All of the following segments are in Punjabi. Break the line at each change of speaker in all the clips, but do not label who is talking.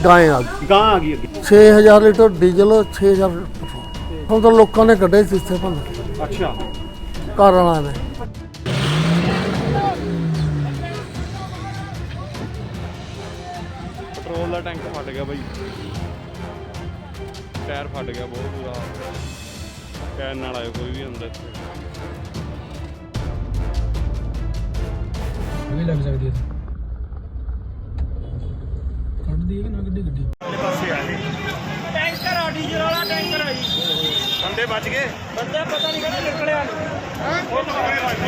ਗਾਂ ਆ ਗਈ
ਗਾਂ ਆ ਗਈ ਅੱਗੇ
6000 ਲੀਟਰ ਡੀਜ਼ਲ 6000 ਪੈਟਰੋਲ। ਹੁਣ ਤਾਂ ਲੋਕਾਂ ਨੇ ਕੱਢੇ ਸੀਸੇ ਭੰਨ ਕੇ
ਅੱਛਾ
ਘਰ ਵਾਲਿਆਂ ਨੇ।
ਪੈਟਰੋਲ ਦਾ ਟੈਂਕ ਫਟ ਗਿਆ ਬਾਈ, ਟਾਇਰ ਫਟ ਗਿਆ ਬਹੁਤ ਬੁਰਾ। ਕਹਿਣ ਨਾਲ ਆਇਓ ਕੋਈ ਵੀ ਅੰਦਰ
ਵੀ ਲੱਗ ਸਕਦੀ ਹੈ। ਕੱਢਦੀ ਹੈ ਕਿ ਨਾ ਗੱਡੀ
ਵਾਲੇ ਪਾਸੇ ਆ ਜੀ ਟੈਂਕਰ ਆ ਡੀਜ਼ਲ ਵਾਲਾ ਟੈਂਕਰ ਆ ਜੀ। ਬੰਦੇ ਬਚ ਗਏ, ਬੰਦੇ ਪਤਾ ਨਹੀਂ ਕਿਹੜਾ ਨਿਕਲਿਆ ਉਹ ਟੋਏ ਵੱਜਦੇ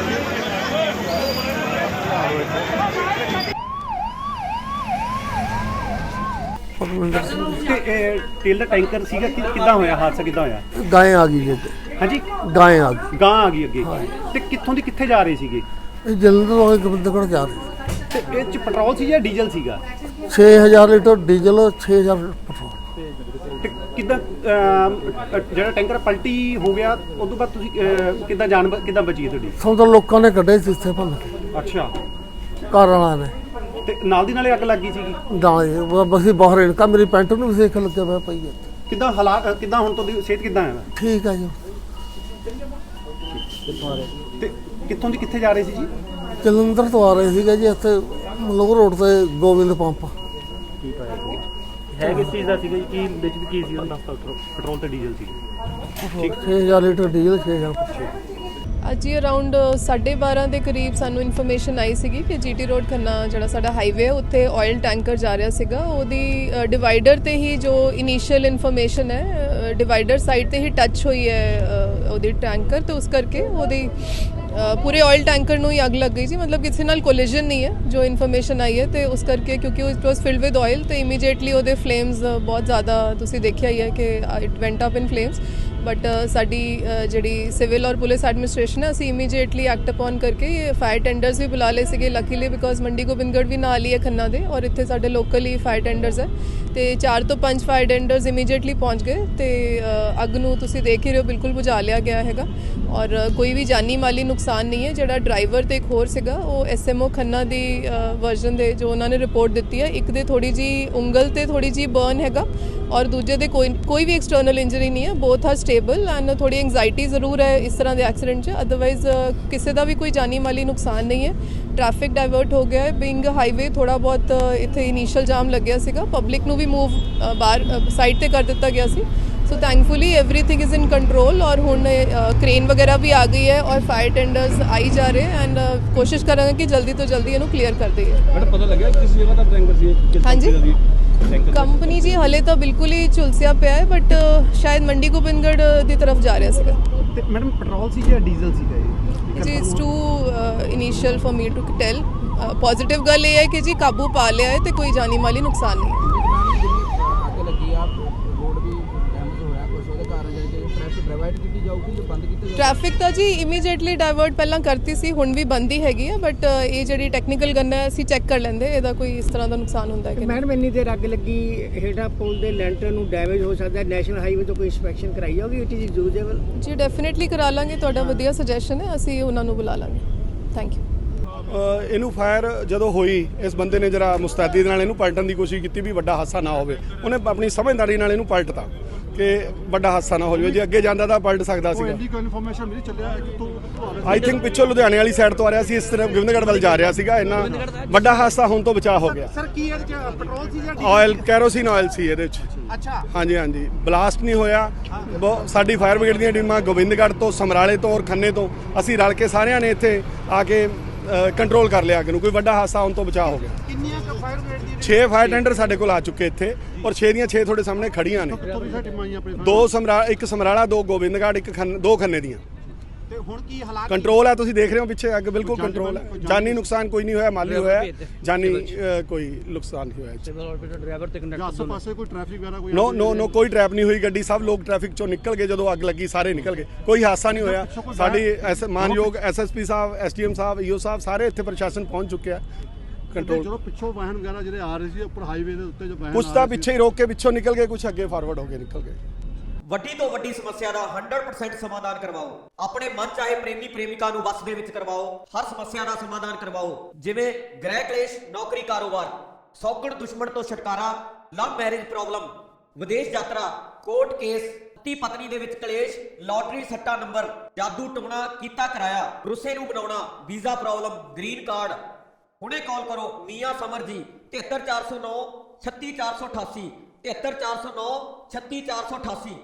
ਪਰਮਿੰਦਰ ਸਿੰਘ
ਤੇ ਤੇਲ ਦਾ ਟੈਂਕਰ ਸੀਗਾ ਕਿੱਦਾਂ ਹੋਇਆ ਹਾਦਸਾ, ਕਿੱਦਾਂ ਹੋਇਆ?
ਗਾਂ ਆ ਗਈ ਜੀ,
ਹਾਂਜੀ
ਗਾਂ ਆ ਗਈ।
ਗਾਂ ਆ ਗਈ ਅੱਗੇ ਤੇ ਕਿੱਥੋਂ ਦੀ ਕਿੱਥੇ ਜਾ ਰਹੇ ਸੀਗੇ?
ਇਹ ਜਲੰਧਰ ਵਾਲੇ ਗੋਬਿੰਦਗੜ੍ਹ ਜਾ ਰਹੇ
ਤੇ ਇਹ ਚ ਪੈਟਰੋਲ ਸੀ ਜਾਂ ਡੀਜ਼ਲ ਸੀਗਾ?
6000 ਲੀਟਰ ਡੀਜ਼ਲ 6000 ਪੈਟਰੋਲ।
ਤੇ ਕਿੱਦਾਂ ਜਿਹੜਾ ਟੈਂਕਰ ਪਲਟੀ ਹੋ ਗਿਆ ਉਸ ਤੋਂ ਬਾਅਦ ਤੁਸੀਂ ਕਿੱਦਾਂ ਜਾਨ ਕਿੱਦਾਂ ਬਚੀ ਤੁਹਾਡੀ?
ਹੁਣ ਤਾਂ ਲੋਕਾਂ ਨੇ ਕੱਢੇ ਸੀਸੇ ਭੰਨ ਕੇ
ਅੱਛਾ
ਘਰ ਵਾਲਿਆਂ ਨੇ।
ਤੇ ਨਾਲ ਦੀ ਨਾਲੇ ਅੱਗ ਲੱਗੀ ਸੀਗੀ?
ਨਾਲੇ ਬਸ ਬਾਹਰ ਇਨਕਾ ਮੇਰੀ ਪੈਂਟ ਨੂੰ ਵੀ ਸੇਕ ਲੱਗਿਆ ਹੋਇਆ ਪਈ ਹੈ।
ਕਿੱਦਾਂ ਹਾਲਾਤ ਕਿੱਦਾਂ ਹੁਣ ਤੁਹਾਡੀ ਸਿਹਤ ਕਿੱਦਾਂ ਹੈ?
ਠੀਕ ਆ ਜੀ।
ਤੇ ਕਿੱਥੋਂ ਦੀ ਕਿੱਥੇ ਜਾ ਰਹੇ ਸੀ ਜੀ?
ਜਲੰਧਰ ਤੋਂ ਆ ਰਹੇ ਸੀਗੇ ਜੀ, ਇੱਥੇ ਮਲੋਹ ਰੋਡ ਤੇ ਗੋਬਿੰਦ ਪੰਪ।
ਹੈ ਕਿਸ ਚੀਜ਼ ਦਾ ਸੀਗਾ ਜੀ? ਕੀ ਵਿੱਚ ਕੀ ਸੀ ਉਹਨਾਂ ਦਾ? ਪੈਟਰੋਲ ਤੇ ਡੀਜ਼ਲ ਸੀ।
6000 ਲੀਟਰ ਡੀਜ਼ਲ 6000 ਪੈਟਰੋਲ।
ਅੱਜ ਹੀ ਅਰਾਊਂਡ 12:30 ਦੇ ਕਰੀਬ ਸਾਨੂੰ ਇਨਫੋਰਮੇਸ਼ਨ ਆਈ ਸੀਗੀ ਕਿ ਜੀਟੀ ਰੋਡ ਖੰਨਾ ਜਿਹੜਾ ਸਾਡਾ ਹਾਈਵੇ ਹੈ ਉੱਥੇ ਆਇਲ ਟੈਂਕਰ ਜਾ ਰਿਹਾ ਸੀਗਾ। ਉਹਦੀ ਡਿਵਾਈਡਰ ਤੇ ਹੀ ਜੋ ਇਨੀਸ਼ੀਅਲ ਇਨਫੋਰਮੇਸ਼ਨ ਹੈ, ਡਿਵਾਈਡਰ ਸਾਈਡ ਤੇ ਹੀ ਟੱਚ ਹੋਈ ਹੈ ਉਹਦੀ ਟੈਂਕਰ, ਤੇ ਉਸ ਕਰਕੇ ਉਹਦੀ ਪੂਰੇ ਆਇਲ ਟੈਂਕਰ ਨੂੰ ਹੀ ਅੱਗ ਲੱਗ ਗਈ ਸੀ। ਮਤਲਬ ਕਿਸੇ ਨਾਲ ਕੋਲੀਜਨ ਨਹੀਂ ਹੈ ਜੋ ਇਨਫੋਰਮੇਸ਼ਨ ਆਈ ਹੈ, ਤੇ ਉਸ ਕਰਕੇ ਕਿਉਂਕਿ ਉਹ it was filled with oil ਤੇ ਇਮੀਡੀਏਟਲੀ ਉਹਦੇ ਫਲੇਮਸ ਬਹੁਤ ਜ਼ਿਆਦਾ ਤੁਸੀਂ ਦੇਖਿਆ ਹੀ ਹੈ ਕਿ it went up in flames. But ਸਾਡੀ ਜਿਹੜੀ ਸਿਵਲ ਔਰ ਪੁਲਿਸ ਐਡਮਿਨਿਸਟ੍ਰੇਸ਼ਨ ਹੈ, ਅਸੀਂ ਇਮੀਡੀਏਟਲੀ ਐਕਟ ਅਪਨ ਕਰਕੇ ਇਹ ਫਾਇਰ ਟੈਂਡਰਸ ਵੀ ਬੁਲਾ ਲਏ ਸੀਗੇ ਲੱਕੀਲੀ, ਬਿਕੋਜ਼ ਮੰਡੀ ਗੋਬਿੰਦਗੜ੍ਹ ਵੀ ਨਾਲ ਹੀ ਹੈ ਖੰਨਾ ਦੇ, ਔਰ ਇੱਥੇ ਸਾਡੇ ਲੋਕਲ ਹੀ ਫਾਇਰ ਟੈਂਡਰਸ ਹੈ ਤੇ 4 ਤੋਂ 5 ਫਾਇਰ ਟੈਂਡਰਸ ਇਮੀਡੀਏਟਲੀ ਪਹੁੰਚ ਗਏ ਤੇ ਅੱਗ ਨੂੰ ਤੁਸੀਂ ਦੇਖ ਹੀ ਰਹੇ ਹੋ ਬਿਲਕੁਲ ਬੁਝਾ ਲਿਆ ਗਿਆ ਹੈਗਾ, ਔਰ ਕੋਈ ਵੀ ਜਾਨੀ ਮਾਲੀ ਨੁਕਸਾਨ ਨਹੀਂ ਹੈ। ਜਿਹੜਾ ਡਰਾਈਵਰ ਤੇ ਇੱਕ ਹੋਰ ਸੀਗਾ ਉਹ ਐਸਐਮਓ ਖੰਨਾ ਦੀ ਵਰਜ਼ਨ ਦੇ ਜੋ ਉਹਨਾਂ ਨੇ ਰਿਪੋਰਟ ਦਿੱਤੀ ਹੈ, ਇੱਕ ਦੇ ਥੋੜੀ ਜੀ ਉਂਗਲ ਤੇ ਥੋੜੀ ਜੀ ਬਰਨ ਹੈਗਾ ਔਰ ਦੂਜੇ ਦੇ ਕੋਈ ਵੀ ਐਕਸਟਰਨਲ ਇੰਜਰੀ ਨਹੀਂ ਹੈ। ਬੋਥ ਆਰ ਸਟੇਬਲ ਐਂਡ ਥੋੜੀ ਐਂਗਜ਼ਾਈਟੀ ਜ਼ਰੂਰ ਹੈ ਇਸ ਤਰ੍ਹਾਂ ਦੇ ਐਕਸੀਡੈਂਟ 'ਚ, ਅਦਰਵਾਈਜ਼ ਕਿਸੇ ਦਾ ਵੀ ਕੋਈ ਜਾਨੀ ਮਾਲੀ ਨੁਕਸਾਨ ਨਹੀਂ ਹੈ। ਟ੍ਰੈਫਿਕ ਡਾਇਵਰਟ ਹੋ ਗਿਆ ਹੈ, ਬਿੰਗ ਹਾਈਵੇ ਥੋੜਾ ਬਹੁਤ ਇੱਥੇ ਇਨੀਸ਼ੀਅਲ ਜਾਮ ਲੱਗਿਆ ਸੀਗਾ, ਪਬਲਿਕ ਨੂੰ ਵੀ ਮੂਵ ਬਾਹਰ ਸਾਈਡ ਤੇ ਕਰ ਦਿੱਤਾ ਗਿਆ ਸੀ। So thankfully everything is in control ਔਰ ਹੁਣ ਕ੍ਰੇਨ ਵਗੈਰਾ ਵੀ ਆ ਗਈ ਹੈ ਔਰ ਫਾਇਰ ਟੈਂਡਰਸ ਆਈ ਜਾ ਰਹੇ ਐਂਡ ਕੋਸ਼ਿਸ਼ ਕਰਾਂਗੇ ਕਿ ਜਲਦੀ ਤੋਂ ਜਲਦੀ ਇਹਨੂੰ ਕਲੀਅਰ ਕਰ ਦਈਏ।
ਮੈਡਮ ਪਤਾ ਲੱਗਿਆ ਕਿਸ ਜਗ੍ਹਾ ਦਾ ਟੈਂਕਰ ਸੀ?
ਹਾਂਜੀ ਕੰਪਨੀ ਜੀ ਹਲੇ ਤਾਂ ਬਿਲਕੁਲ ਹੀ ਝੁਲਸਿਆ ਪਿਆ ਹੈ, ਬਟ ਸ਼ਾਇਦ ਮੰਡੀ ਗੋਬਿੰਦਗੜ੍ਹ ਦੀ ਤਰਫ ਜਾ ਰਿਹਾ ਸੀਗਾ।
ਤੇ ਮੈਡਮ ਪੈਟਰੋਲ ਸੀ ਜਾਂ ਡੀਜ਼ਲ ਸੀਗਾ ਇਹ?
ਜੀ it's too initial for me to tell. Positive ਗੱਲ ਇਹ ਹੈ ਕਿ ਜੀ ਕਾਬੂ ਪਾ ਲਿਆ ਹੈ ਤੇ ਕੋਈ ਜਾਨੀ ਮਾਲੀ ਨੁਕਸਾਨ ਨਹੀਂ ਹੈ। ਟ੍ਰੈਫਿਕ ਤਾਂ ਜੀ ਇਮੀਡੀਏਟਲੀ ਡਾਇਵਰਟ ਪਹਿਲਾਂ ਕਰਤੀ ਸੀ, ਹੁਣ ਵੀ ਬੰਦ ਹੀ ਹੈਗੀ ਹੈ, ਬਟ ਇਹ ਜਿਹੜੀ ਟੈਕਨੀਕਲ ਗਨ ਹੈ ਅਸੀਂ ਚੈੱਕ ਕਰ ਲੈਂਦੇ ਇਹਦਾ ਕੋਈ ਇਸ ਤਰ੍ਹਾਂ ਦਾ ਨੁਕਸਾਨ ਹੁੰਦਾ ਹੈ ਕਿ
ਮੈਡਮ ਇੰਨੀ ਦੇਰ ਅੱਗ ਲੱਗੀ, ਹੇਠਾਂ ਪੁਲ ਦੇ ਲੈਂਟਰ ਨੂੰ ਡੈਮੇਜ ਹੋ ਸਕਦਾ ਹੈ, ਨੈਸ਼ਨਲ ਹਾਈਵੇ ਤੋਂ ਕੋਈ ਇੰਸਪੈਕਸ਼ਨ ਕਰਾਈ ਹੋਗੀ? It is usable?
ਜੀ ਡੈਫੀਨਿਟਲੀ ਕਰਾ ਲਾਂਗੇ, ਤੁਹਾਡਾ ਵਧੀਆ ਸੁਜੈਸ਼ਨ ਹੈ, ਅਸੀਂ ਉਹਨਾਂ ਨੂੰ ਬੁਲਾ ਲਾਂਗੇ। Thank you.
ਇਹਨੂੰ ਫਾਇਰ ਜਦੋਂ ਹੋਈ, ਇਸ ਬੰਦੇ ਨੇ ਜਰਾ ਮੁਸਤੈਦੀ ਦੇ ਨਾਲ ਇਹਨੂੰ ਪਲਟਣ ਦੀ ਕੋਸ਼ਿਸ਼ ਕੀਤੀ ਵੀ ਵੱਡਾ ਹਾਦਸਾ ਨਾ ਹੋਵੇ। ਉਹਨੇ ਆਪਣੀ ਸਮਝਦਾਰੀ ਨਾਲ ਇਹਨੂੰ ਪਲਟਤਾ ਕਿ ਵੱਡਾ ਹਾਦਸਾ ਨਾ ਹੋ ਜਾਵੇ। ਜੇ ਅੱਗੇ ਜਾਂਦਾ ਤਾਂ ਪਲਟ ਸਕਦਾ ਸੀਗਾ।
ਕੋਈ ਇਨਫੋਰਮੇਸ਼ਨ ਮਿਲੀ ਚੱਲਿਆ ਕਿਤੋਂ?
ਆਈ ਥਿੰਕ ਪਿੱਛੋਂ ਲੁਧਿਆਣੇ ਵਾਲੀ ਸਾਈਡ ਤੋਂ ਆ ਰਿਹਾ ਸੀ, ਇਸ ਤਰ੍ਹਾਂ ਗੋਬਿੰਦਗੜ੍ਹ ਵੱਲ ਜਾ ਰਿਹਾ ਸੀਗਾ। ਇੰਨਾ ਵੱਡਾ ਹਾਦਸਾ ਹੋਣ ਤੋਂ ਬਚਾਅ ਹੋ ਗਿਆ।
ਸਰ ਕੀ ਇਹਦੇ ਚ ਪੈਟਰੋਲ ਸੀ ਜਾਂ
ਆਇਲ, ਕੈਰੋਸਿਨ ਆਇਲ ਸੀ ਇਹਦੇ ਵਿੱਚ।
ਅੱਛਾ
ਹਾਂਜੀ ਹਾਂਜੀ, ਬਲਾਸਟ ਨਹੀਂ ਹੋਇਆ। ਸਾਡੀ ਫਾਇਰ ਬ੍ਰਿਗੇਡ ਦੀਆਂ ਟੀਮਾਂ ਗੋਬਿੰਦਗੜ੍ਹ ਤੋਂ, ਸਮਰਾਲੇ ਤੋਂ ਔਰ ਖੰਨੇ ਤੋਂ ਅਸੀਂ ਰਲ ਕੇ ਸਾਰਿਆਂ ਨੇ ਇੱਥੇ ਆ ਕੇ ਕੰਟਰੋਲ ਕਰ ਲਿਆ ਅੱਗ ਨੂੰ। ਕੋਈ ਵੱਡਾ ਹਾਦਸਾ ਹੋਣ ਤੋਂ ਬਚਾਅ ਹੋ ਗਿਆ।
ਕਿੰਨੀਆਂ ਕ ਫਾਇਰ ਬ੍ਰਿਗੇਡ ਦੀ?
6 ਫਾਇਰ ਟੈਂਡਰ ਸਾਡੇ ਕੋਲ ਆ ਚੁੱਕੇ ਇੱਥੇ ਔਰ 6 ਦੀਆਂ 6 ਤੁਹਾਡੇ ਸਾਹਮਣੇ ਖੜੀਆਂ ਨੇ। ਇੱਕ ਸਮਰਾਲਾ, 2 ਗੋਬਿੰਦਗੜ੍ਹ, ਦੋ ਖੰਨੇ ਦੀਆਂ।
ਤੇ ਹੁਣ ਕੀ ਹਾਲਾਤ
ਕੰਟਰੋਲ ਹੈ, ਤੁਸੀਂ ਦੇਖ ਰਹੇ ਹੋ ਪਿੱਛੇ ਅੱਗ ਬਿਲਕੁਲ ਕੰਟਰੋਲ ਹੈ। ਜਾਨੀ ਨੁਕਸਾਨ ਕੋਈ ਨਹੀਂ ਹੋਇਆ, ਮਾਲੀ ਹੋਇਆ, ਜਾਨੀ ਕੋਈ ਨੁਕਸਾਨ ਨਹੀਂ ਹੋਇਆ।
ਡਰਾਈਵਰ ਤੇ ਕੰਡਕਟਰ
ਆਸ-ਪਾਸੇ ਕੋਈ ਟ੍ਰੈਫਿਕ ਵਗੈਰਾ ਕੋਈ?
ਨੋ ਕੋਈ ਟ੍ਰੈਪ ਨਹੀਂ ਹੋਈ ਗੱਡੀ। ਸਭ ਲੋਕ ਟ੍ਰੈਫਿਕ ਚੋਂ ਨਿਕਲ ਗਏ ਜਦੋਂ ਅੱਗ ਲੱਗੀ, ਸਾਰੇ ਨਿਕਲ ਗਏ, ਕੋਈ ਹਾਦਸਾ ਨਹੀਂ ਹੋਇਆ। ਸਾਡੀ ਮਾਨਯੋਗ ਐਸਐਸਪੀ ਸਾਹਿਬ, ਐਸਡੀਐਮ ਸਾਹਿਬ, ਈਓ ਸਾਹਿਬ ਸਾਰੇ ਇੱਥੇ ਪ੍ਰਸ਼ਾਸਨ ਪਹੁੰਚ ਚੁੱਕਿਆ ਕੰਟਰੋਲ।
ਜਦੋਂ ਪਿੱਛੋਂ ਵਾਹਨ ਵਗੈਰਾ ਜਿਹੜੇ ਆ ਰਹੇ ਸੀ ਉੱਪਰ ਹਾਈਵੇ ਦੇ ਉੱਤੇ, ਜੋ ਵਾਹਨ
ਕੁਛ ਤਾਂ ਪਿੱਛੇ ਹੀ ਰੋਕ ਕੇ ਪਿੱਛੋਂ ਨਿਕਲ ਗਏ, ਕੁਛ ਅੱਗੇ ਫਾਰਵਰਡ ਹੋ ਕੇ ਨਿਕਲ ਗਏ।
ਵੱਡੀ ਤੋਂ ਵੱਡੀ ਸਮੱਸਿਆ ਦਾ 100% ਸਮਾਧਾਨ ਕਰਵਾਓ। ਆਪਣੇ ਮਨ ਚਾਹੇ ਪ੍ਰੇਮੀ ਪ੍ਰੇਮਿਕਾ ਨੂੰ ਵਸ ਦੇ ਵਿੱਚ ਕਰਵਾਓ। ਹਰ ਸਮੱਸਿਆ ਦਾ ਸਮਾਧਾਨ ਕਰਵਾਓ, ਜਿਵੇਂ ਗ੍ਰਹਿ ਕਲੇਸ਼, ਨੌਕਰੀ, ਕਾਰੋਬਾਰ, ਸੌਗਣ ਦੁਸ਼ਮਣ ਤੋਂ ਛੁਟਕਾਰਾ, ਲਵ ਮੈਰਿਜ ਪ੍ਰੋਬਲਮ, ਵਿਦੇਸ਼ ਯਾਤਰਾ, ਕੋਰਟ ਕੇਸ, ਪਤੀ ਪਤਨੀ ਦੇ ਵਿੱਚ ਕਲੇਸ਼, ਲਾਟਰੀ ਸੱਟਾ ਨੰਬਰ, ਜਾਦੂ ਟੂਣਾ ਕੀਤਾ ਕਰਾਇਆ, ਰੁੱਸੇ ਨੂੰ ਬਣਾਉਣਾ, ਵੀਜ਼ਾ ਪ੍ਰੋਬਲਮ, ਗ੍ਰੀਨ ਕਾਰਡ। ਹੁਣੇ ਕਾਲ ਕਰੋ ਮੀਆਂ ਸਮਰ ਜੀ 73409 36488 73409 36488।